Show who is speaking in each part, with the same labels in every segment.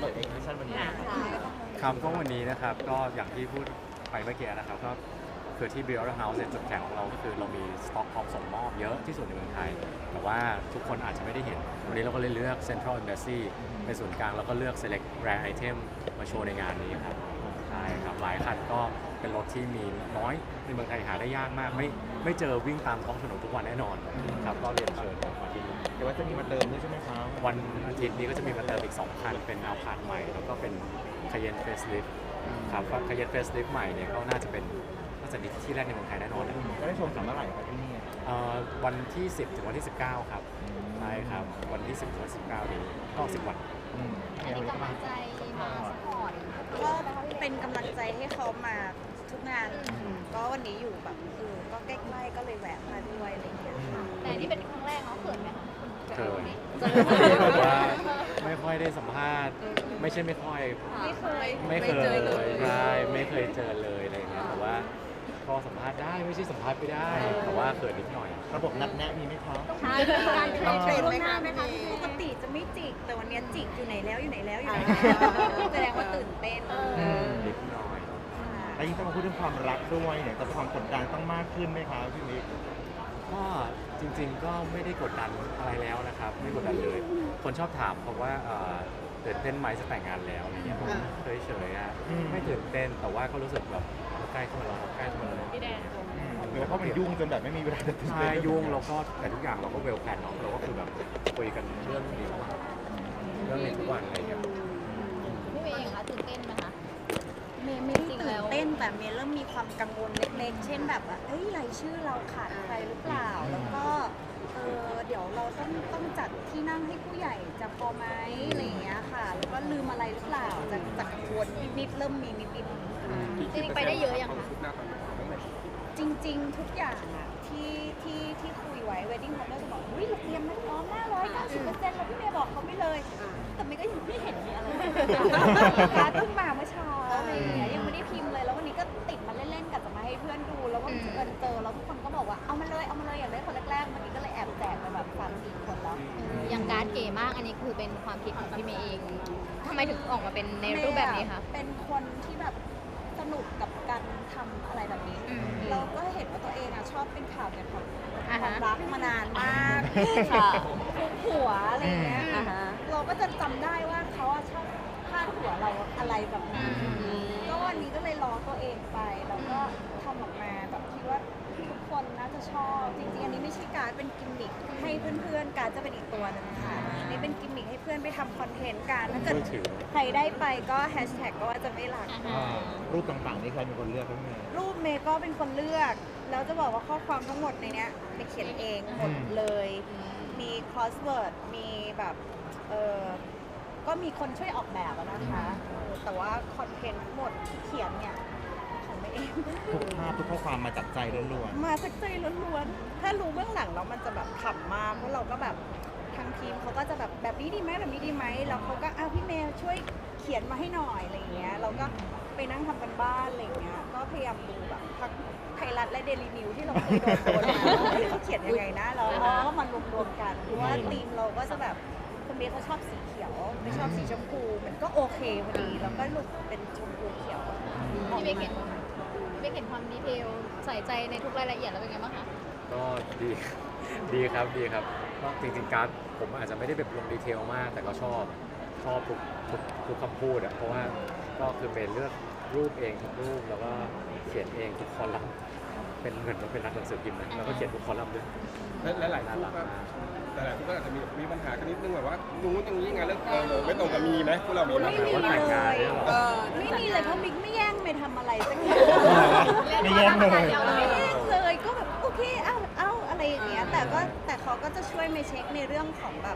Speaker 1: เปิดเอ็กซิบิชันวันนี้
Speaker 2: ครับก็วันนี้นะครับก็อย่างที่พูดไปเมื่อกี้นะครับก็คือที่ Build House เนี่ยจุดแข็งของเราก็คือเรามีสต็อกพร้อมส่งมอบเยอะที่สุดในเมืองไทยแต่ว่าทุกคนอาจจะไม่ได้เห็นวันนี้เราก็เลยเลือก Central Embassy เป็นศูนย์กลางแล้วก็เลือก Select Rare Item มาโชว์ในงานนี้ครับใช่ครับหลายคันก็เป็นรถที่มีน้อยในเมืองไทยหาได้ยากมากไม่เจอวิ่งตามท้องถนนทุกวันแน่นอนครับก็เรียนเชิญมาที่นี่
Speaker 1: เดี๋ยวว่าจะมีมาเติมด้วยใช่ไหมครับ
Speaker 2: วันอาทิตย์นี้ก็จะมีมาเติมอีก2คันเป็นอัลพาร์ตใหม่แล้วก็เป็นคาเยนเฟสลิฟครับคาเยนเฟสลิฟใหม่เนี่ยก็น่าจะมีที่แรกในเมืองไทยแน่นอนเลย
Speaker 1: จะได้ชมสามเมื่อไหร่ครับที่นี่
Speaker 2: วันที่ 10 ถึงวันที่ 19 ครับใช่ครับวันที่ 10 ถึงวันที่ 19 นี้ก็10 วัน
Speaker 3: อันนี้กำลังใจมาสปอร์ต
Speaker 4: ก็เป็นกำลังใจให้เขามาทุกงานก็วันนี้อยู่แบบก็ใกล้ๆก็เลยแวะมาด้วยอะไรอย่างเงี้ยค่ะ
Speaker 3: แต่นี่เป็นครั้งแรกเนาะเขินไหมคะ
Speaker 2: เคยแบบว่าไม่ค่อยได้สัมภาษณ์ไม่ใช่ไม่ค่อย
Speaker 4: ไม่เคย
Speaker 2: ไม่เคยเลยใช่ไม่เคยเจอเลยอะไรอย่างเงี้ยแต่ว่าก็สัมภาษณ์ได้ไม่ใช่สัมภาษณ์ไม่ได้แต่ว่าเขินนิดหน่อย
Speaker 1: ระบบนัดแนะมีไหมครับ
Speaker 3: ใช่การเทรน
Speaker 4: เทรน
Speaker 3: ล่ว
Speaker 4: ไหม
Speaker 3: งหน้า
Speaker 4: คะ
Speaker 3: ไหมคะ
Speaker 4: ปกติจะไม่จิกแต่วันนี้จิกอยู่ไหนแล้วอยู่ไหนแล้วอยู่ไหนแสดงว่าตื่นเต้น
Speaker 2: นิดหน่อย
Speaker 1: แล้วยิ่งต้องมาพูดเรื่องความรักด้วยเนี่ยจะความกดดันต้องมากขึ้นไหมครับพี่มิก
Speaker 2: ก็จริงๆก็ไม่ได้กดดันอะไรแล้วนะครับไม่กดดันเลย คนชอบถามเพราะว่าตื่นเต้นไหมจะแต่งงานแล้วอะไรเงี้ยผมเฉยๆไม่ตื่นเต้นแต่ว่าก็รู้สึกแบบใกล้เข้ามาแล้วใกล้เข้ามาแล้ว
Speaker 3: พี่แดน
Speaker 1: หรือว่าเขามันยุ่งจนแบบไม่มีเวลาจะตื่น
Speaker 2: ใช่
Speaker 1: เต้น
Speaker 2: ยุ่งแล้วก็แต่ทุกอย่างเราก็เวลแพลนเนาะเราก็คือแบบคุยกันเรื่องนี้ทุกวันอะไรเงี้ย
Speaker 3: พี่เมย์เองคะตื่นเต้นไหมคะ
Speaker 4: เมย์ไม่ได้ตื่นเต้นแต่เมย์เริ่มมีความกังวลเล็กๆ เช่นแบบว่าเอ้ยรายชื่อเราขาดใครหรือเปล่า แล้วก็เดี๋ยวเราต้องจัดที่นั่งให้ผู้ใหญ่จะพอไหมอะไรอย่างเงี้ยค่ะ แล้วก็ลืมอะไรหรือเปล่าจะกังวลนิดๆเริ่มมีนิดๆ
Speaker 3: จริงๆไปได้เยอะยังคะ
Speaker 4: จริงๆ ทุกอย่างอะที่คุยไว้ wedding planner จะบอกอุ้ยเราเตรียมมาพร้อมหน้า190%แล้วพี่เมย์บอกเขาไปเลย แต่เมย์ก็ยังไม่เห็นมีอะไรการดเพิ่งมาเมื่อเช้าอะไรอย่างเงี้ยยังไม่ได้พิมพ์เลยแล้ววันนี้ก็ติดมาเล่นๆกับจะมาให้เพื่อนดูแล้วว่าเจอแล้วทุกคนก็บอกว่าเอามาเลยอยากได้คนแรกๆวันนี้ก็เลยแอบแจกไปแบบ3-4 คนแล้ว
Speaker 3: อย่างการ์ดเก๋มากอันนี้คือเป็นความคิดของพี่เมย์เองทำไมถึงออกมาเป็นในรูปแบบนี้คะ
Speaker 4: เป็นคนที่แบบสนุกกับการทำอะไรแบบนี้ เราก็เห็นว่าตัวเองอะชอบเป็นข่าวเกี่ยวกับความรักมานานมาก
Speaker 3: ค่ะ
Speaker 4: ทุกหัวอะไรเงี้ยเราก็จะจำได้ว่าเขาอะชอบพาดหัวเราอะไรแบบนี้ก็วันนี้ก็เลยล้อตัวเองไปแล้วก็ทำออกมาแบบคิดว่าทุกคนน่าจะชอบจริงๆอันนี้ไม่ใช่การดเป็นกิมมิคให้เพื่อนๆการดจะเป็นอีกตัวหนึงค่ะอันนี้เป็นกิมมิคให้เพื่อนไปทำคอนเทนต์กันถ้าเกิด
Speaker 2: มือถือ
Speaker 4: ใครได้ไปก็แฮชแท็กก็ว่าจะไม่หลัก
Speaker 1: รูปต่างๆนี่ใครเป็นคนเลือกครับพี่เมย์
Speaker 4: รูปเมย์ก็เป็นคนเลือก แล้วจะบอกว่าข้อความทั้งหมดในเนี้ยเมย์เขียนเองหมดเลย มี crossword มีแบบก็มีคนช่วยออกแบบอะนะคะแต่ว่าคอนเทนต์ทั้งหมดที่เขียนเนี่ยของเมย์เอง
Speaker 1: ทุกภาพทุกข้อความมาจากใจล้วน
Speaker 4: มาจากใจล้วนๆถ้ารู้เบื้องหลังแล้วมันจะแบบขำมากเพราะเราก็แบบทางทีมเขาก็จะแบบนี้ดีไหมแบบนี้ดีไหมแล้วเขาก็พี่เมย์ช่วยเขียนมาให้หน่อยอะไรอย่างเงี้ยเราก็ไปนั่งทำกันบ้านอะไรอย่างเงี้ยก็พยายามดูแบบทั้งไทยรัฐและเดลินิวที่เราเคยโดนมาว่าเขาเขียนยังไงนะแล้วก็มันรวมๆกันเพราะว่าทีมเราก็จะแบบคนเมย์เขาชอบสีเขียวไม่ชอบสีชมพูมันก็โอเคพอดีแล้วก็หลุดเป็นชมพูเขียว
Speaker 3: พี่เมย์เห็นความดีเทลใส่ใจในทุกรายละเอียดแล้วเป็นไงบ้างคะ
Speaker 2: ก็ดี ดีครับก็จริงๆการ์ดผมอาจจะไม่ได้แบบลงดีเทลมาก แต่ก็ชอบทุกคำพูดอะเพราะว่าก็คือเป็นเลือกรูปเองทุกรูปแล้วก็เขียนเองทุกคอลัมน์เป็นเหมือนว่าเป็นนักหนังสือพิมพ์นะแล้วก็เขียนทุกคอลัมน์ด้วย
Speaker 5: และหลายคู่ก็แต่หลายคู่ก็อาจจะมีปัญหากันนิดนึงแบบว่านู้นอย่างนี้ไงเรื่องไม่ตรงกับมีไหมพวกเรามีไหม
Speaker 4: ไม่มี
Speaker 2: ว่าแต่งงานเนี่ยเหรอ
Speaker 4: ไม่มีเลยเพราะมิกไม่แย่งไม่ทำอะไรสักอย่าง
Speaker 1: ๆไม่แย่งเลย
Speaker 4: ไม่แย่งเลยก็แบบโอเคเอาอะไรอย่างเงี้ยแต่เขาก็จะช่วยมาเช็คในเรื่องของแบบ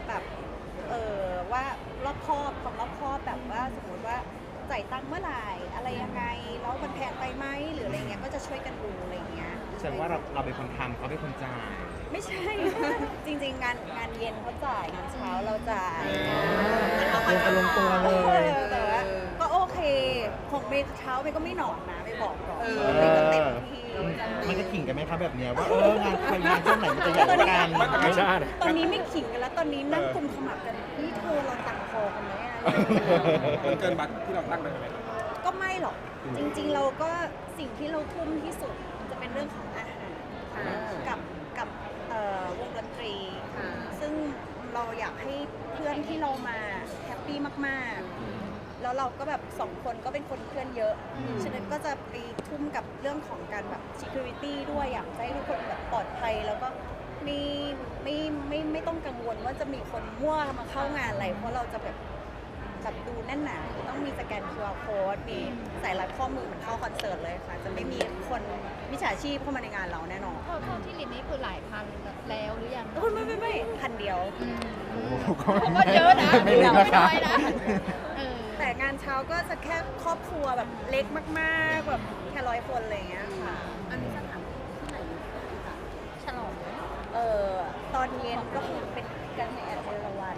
Speaker 4: ว่ารอบคอบของรอบคอบแบบว่าสมมติว่าจ่ายตังค์เมื่อไหร่อะไรยังไงแล้วมันแพงไปไหมหรืออะไรเงี้ยก็จะช่วยกันดูอะไรเงี้ย
Speaker 1: แสดงว่าเราเป็นคนทำเขาเป็นคนจ่าย
Speaker 4: ไม่ใช่ จริงๆงานเย็นเขาจ่ายงานเช้าเราจ่าย
Speaker 1: ลงตัวเลย
Speaker 4: แต่ว่าก็โอเคของเมย์เช้าเมย์ก็ไม่หนอนนะไม่บอกก่อนเมย์ก็เต็มที่
Speaker 1: มันจะขิงกันไหมครับแบบเนี้ยว่างานใครงานช่วงไหนมันจะใหญ่กว่ากัน
Speaker 2: ไม่ใช่
Speaker 4: ตอนนี้ไม่ขิงกันแล้วตอนนี้นั่งกุมขมับกันนี่เธอเราต่างคพอกันไหมอะไรอย่างเงี้ย
Speaker 5: มันเกินบัตรที่เราตั้งไว้ไหม
Speaker 4: ก็ไม่หรอกจริงๆเราก็สิ่งที่เราทุ่มที่สุดจะเป็นเรื่องของอาหารกับวงดนตรี ซึ่งเราอยากให้เพื่อนที่เรามาแฮปปี้มากๆ แล้วเราก็แบบ2 คนก็เป็นคนเพื่อนเยอะฉะนั้นก็จะไปทุ่มกับเรื่องของการแบบ security ด้วยอยากให้ทุกคนแบบปลอดภัยแล้วก็ไม่ต้องกังวลว่าจะมีคนมั่วมาเข้างานอะไรเพราะเราจะแบบดูแน่นหนาต้องมีสแกน QR code มีใส่รัดข้อมือเหมือนเข้าคอนเสิร์ตเลยค่ะ จะไม่มีคนมิจฉาชีพเข้ามาในงานเราแน่นอน
Speaker 3: เท่าที่ลินนี่คือหลายพันแล้วหรือยัง
Speaker 4: ไม่พันเดียว
Speaker 3: ก็เยอะนะ
Speaker 1: ไม่เล็กนะคะ
Speaker 3: ไม่น้อยนะเออ
Speaker 4: แต่งานเช้าก็จะแค่ครอบครัวแบบเล็กมากๆแบบแค่100 คนอะไรอย่างเงี้ยค่ะ
Speaker 3: อันนี้สถานที่ไหนฉลอง
Speaker 4: ตอนเย็นก็คือเป็นการแห่เอราวัณ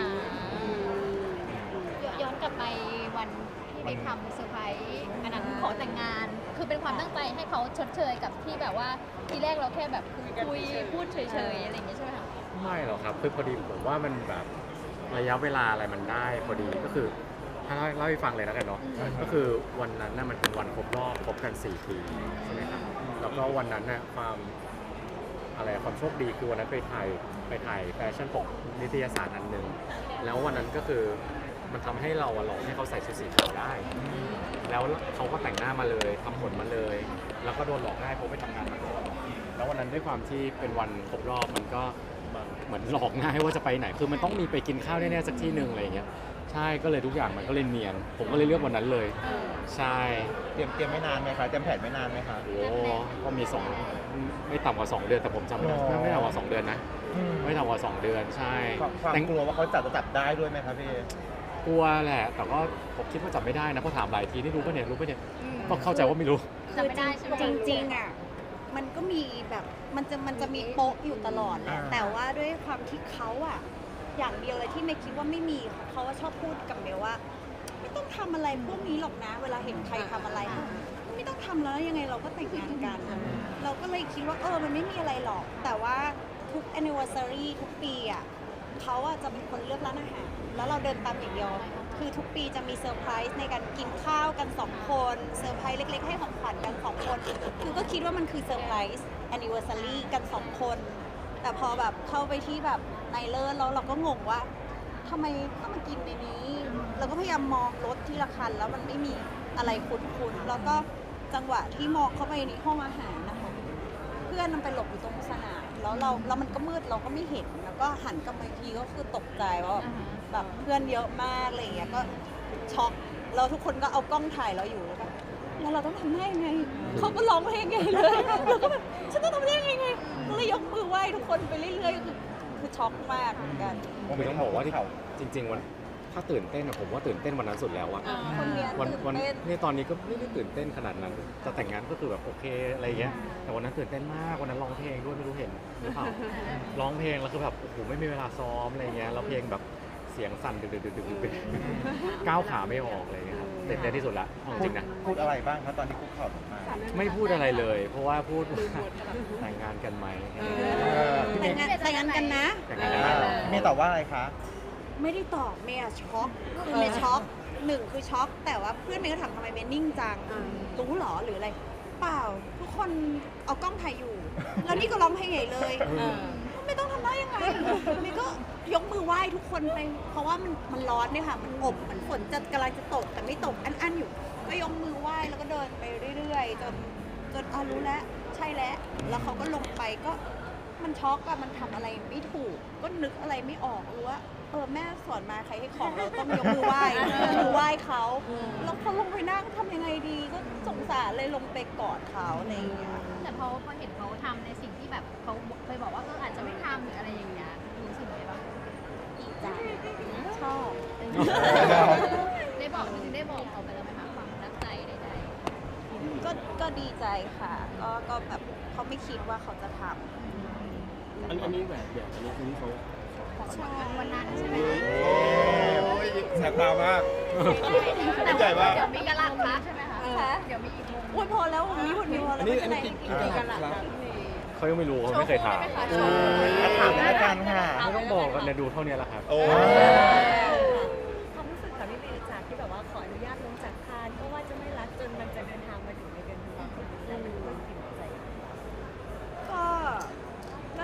Speaker 3: ย้อนกลับไปวันที่ไปทำเซอร์ไพรส์อันนั้นขอแต่งงาน คือเป็นความตั้งใจให้เขาชดเชยกับที่แบบว่าทีแรกเราแค่แบบคุยพูดเฉยๆอะไรอย่างเงี้ยใช่ไหมคะ
Speaker 2: ไม่หรอกครับคือพอดีผมว่ามันแบบระยะเวลาอะไรมันได้พอดีก็คือถ้าเล่าให้ฟังเลยแล้วกันเนาะก็คือวันนั้นน่ะมันเป็นวันครบรอบคบกัน4 ปีใช่ไหมครับแล้วก็วันนั้นน่ะความโชคดีคือวันนั้นไปถ่ายแฟชั่นปกนิตยสารอันหนึ่งแล้ววันนั้นก็คือมันทำให้เราหลอกให้เขาใส่ชุดสีขาวได้ แล้วเขาก็แต่งหน้ามาเลยทำผมมาเลย แล้วก็โดนหลอกง่ายเพราะไปทำงานมาก่อนแล้ววันนั้นด้วยความที่เป็นวันครบรอบมันก็เหมือนหลอกง่ายว่าจะไปไหนคือมันต้องมีไปกินข้าวแน่ๆสักที่หนึ่งอะไรอย่างเงี้ยใช่ก็เลยทุกอย่างมันก็เลยเนียนผมก็เลยเลือกวันนั้นเลยใช่
Speaker 1: เตรียมไม่นานไหมคะเตรียมแผนไม่นานไหมคะ
Speaker 2: โอ้ก็มีไม่ต่ำกว่า2 เดือนแต่ผมจำไม่ได้ไม่ต่ำกว่า2 เดือนนะไม่ต่ำกว่า2 เดือนใช่
Speaker 1: ความกลัวว่าเขาจะจับได้ด้วยไหมคะพี่
Speaker 2: กลัวแหละแต่ก็ผมคิดว่าจับไม่ได้นะเพราะถามหลายทีนี่รู้ป่ะเนี่ยก็เข้าใจว่าไม่รู้
Speaker 3: จำไม่ได้ใช่ไหม
Speaker 4: จริงๆอ่ะมันก็มีแบบมันจะมีโป๊ะอยู่ตลอดแหละแต่ว่าด้วยความที่เขาอ่ะอย่างเดียวเลยที่เมย์คิดว่าไม่มีเขาว่าชอบพูดกับเมย์ว่า ไม่ต้องทำอะไรพวกนี้หรอกนะ เวลาเห็นใครทำอะไรไม่ต้องทำแล้วยังไงเราก็แต่งงานกัน เราก็เลยคิดว่ามันไม่มีอะไรหรอก แต่ว่าทุก anniversary ทุกปีอ่ะเขาอ่ะจะเป็นคนเลือกร้านอาหารแล้วเราเดินตามอย่างเดียวคือทุกปีจะมีเซอร์ไพรส์ในการกินข้าวกัน2 คนเซอร์ไพรส์เล็กๆให้ของขวัญกัน2 คนคือก็คิดว่ามันคือเซอร์ไพรส์ anniversary กัน2 คนแต่พอแบบเข้าไปที่แบบไนเลอร์แล้วเราก็งงว่าทำไมต้องมากินในนี้เราก็พยายามมองรถที่ละคันแล้วมันไม่มีอะไรคุ้นๆแล้วก็จังหวะที่มองเข้าไปในห้องอาหารนะคะเพื่อนมันไปหลบอยู่ตรงสนามแล้วมันก็มืดเราก็ไม่เห็นแล้วก็หันกลับมาอีกทีก็คือตกใจว่าแบบเพื่อนเยอะมากอะไรอย่างเงี้ยก็ช็อกแล้วทุกคนก็เอากล้องถ่ายเราอยู่แล้วเราต้องทำได้ยังไงเขาก็ร้องเพลงใหญ่เลยเราก็แบบฉันต้องทำได้ยังไงก็เลยยกมือไหว้ทุกคนไปเรื่อยๆคือช็อกมากเหมือนกัน
Speaker 2: คือต้องบอกว่าที่จริงๆวันถ้าตื่นเต้นอะผมว่าตื่นเต้นวันนั้นสุดแล้วอะ
Speaker 4: คนเรียน
Speaker 2: วัน
Speaker 4: ตื่นเต้น
Speaker 2: นี่ตอนนี้ก็ไม่ได้ตื่นเต้นขนาดนั้นจะแต่งงานก็คือแบบโอเคอะไรเงี้ยแต่วันนั้นตื่นเต้นมากวันนั้นร้องเพลงด้วยไม่รู้เห็นหรือเปล่าร้องเพลงแล้วคือแบบโอ้โหไม่มีเวลาซ้อมอะไรเงี้ยแล้วเพลงแบบเสียงสั่นดึกๆก้าวขาไม่ออกอะไรเงี้ยครับตื่นเต้นที่สุดละเอาจริงนะ
Speaker 1: พูดอะไรบ้างคะตอนที่คุกเข่าลงมา
Speaker 2: ไม่พูดอะไรเลย เพราะว่าพูดว่าแต่งงานกันไหม
Speaker 4: แต่งงานกันนะ
Speaker 2: แต่งงานกันไหม
Speaker 1: เมย์ตอบว่าอะไรคะ
Speaker 4: ไม่ได้ตอบเมย์อะช็อกคือเมย์ช็อก1คือช็อกแต่ว่าเพื่อนเมย์ก็ถามทำไมเมย์นิ่งจังรู้หรอหรืออะไรเปล่าทุกคนเอากล้องถ่ายอยู่ แล้วนี่ก็ร้องเพลงใหญ่เลยไม่ต้องทำได้ยังไงเมย์ก็ยกมือไหว้ทุกคนไปเพราะว่ามันร้อนเนี่ยค่ะมันอบมันฝนจะกำลังจะตกแต่ไม่ตกอันอยู่ก็ยกมือไหว้แล้วก็เดินไปเรื่อยๆจนรู้แล้วใช่แล้วเขาก็ลงไปก็มันช็อกอะมันทำอะไรไม่ถูกก็นึกอะไรไม่ออกรู้ว่าแม่สอนมาใครให้ของเราต้องยกมือไหว้มือไหว้เขาแล้วเขาลงไปนั่งทำยังไงดีก็สงสารเลยลงไปกอดเขาอะไรอย่างเงี้ย
Speaker 3: แต่พอเห็นเขาทำในสิ่งที่แบบเขาเคยบอกว่าอาจจะไม่ทำหรืออะไรอย่างเงี้ยรู้สึกไงบ้าง
Speaker 4: ดีใจชอบ
Speaker 3: ได้บอกจริงๆได้บอกเขาไปแล้วไหมคะความรักใจใด
Speaker 4: ก็ดีใจค่ะก็แบบเขาไม่คิดว่าเขาจะทำ
Speaker 5: อันนี้แบบอันนี้คือที่เขา
Speaker 4: ใช่
Speaker 3: ๆวันนั้นใช่ไหม
Speaker 5: โอ้ยแสบตามาก
Speaker 3: แต่
Speaker 5: ใจมาก
Speaker 3: เดี๋ยวมีกระลักคะใช่ไหมคะเดี๋ยวมีอีกมุม
Speaker 4: โอ้ยพอแล้ววันนี้พอแล้ว
Speaker 5: อันนี้กี่กันล่ะ
Speaker 2: เขายังไม่รู้เขาไม่เคยถาม
Speaker 1: ถามแล้วกันค่ะ
Speaker 2: ไม่ต้องบอกกันเนี่ยดูเท่านี้แหละครับ
Speaker 5: โอ้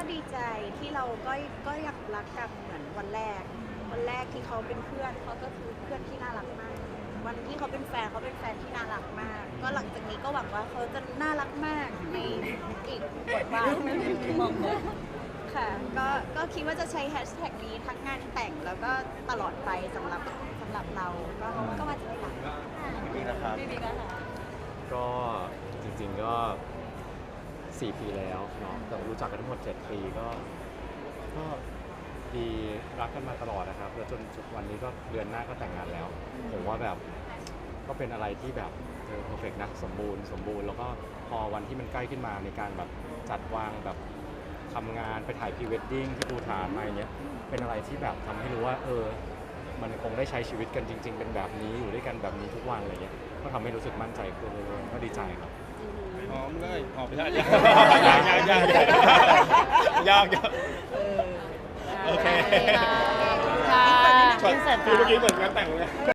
Speaker 4: ดีใจที่เราก็ยังรักกันเหมือนวันแรกที่เขาเป็นเพื่อนเขาก็คือเพื่อนที่น่ารักมาก วันที่เขาเป็นแฟนเขาเป็นแฟนที่น่ารักมาก ก็หลังจากนี้ก็หวังว่าเขาจะน่ารักมากในอีกบทบาทหนึ่งค่ะก็คิดว่าจะใช้แฮชแท็กนี้ทั้งงานแต่งแล้วก็ตลอดไปสำหรับเราก็ว่าจะไม่หลัง
Speaker 1: นี่นะครับ
Speaker 2: ก็จริงๆก็ 4 ปีแล้วเนาะแต่รู้จักกันทั้งหมด 7 ปีก็ดีรักกันมาตลอดนะครับแล้วจนวันนี้ก็เดือนหน้าก็แต่งงานแล้ว ผมว่าแบบก็เป็นอะไรที่แบบเพอร์เฟกต์นะสมบูรณ์แล้วก็พอวันที่มันใกล้ขึ้นมาในการแบบจัดวางแบบทำงานไปถ่ายพรีเวดดิ้งที่ภูฐานอะไรเงี้ยเป็นอะไรที่แบบทำให้รู้ว่ามันคงได้ใช้ชีวิตกันจริง ๆ เป็นแบบนี้อยู่ด้วยกันแบบนี้ทุกวันอะไรเงี้ยก็ทำให้รู้สึกมั่นใจขึ้นเลยๆก็ดีใจครับ
Speaker 5: หอมเลยหอมไม่ได้
Speaker 1: ยากโอเค
Speaker 3: ค่ะ
Speaker 5: คือเมื่อกี้เหมือนงานแต่งเลย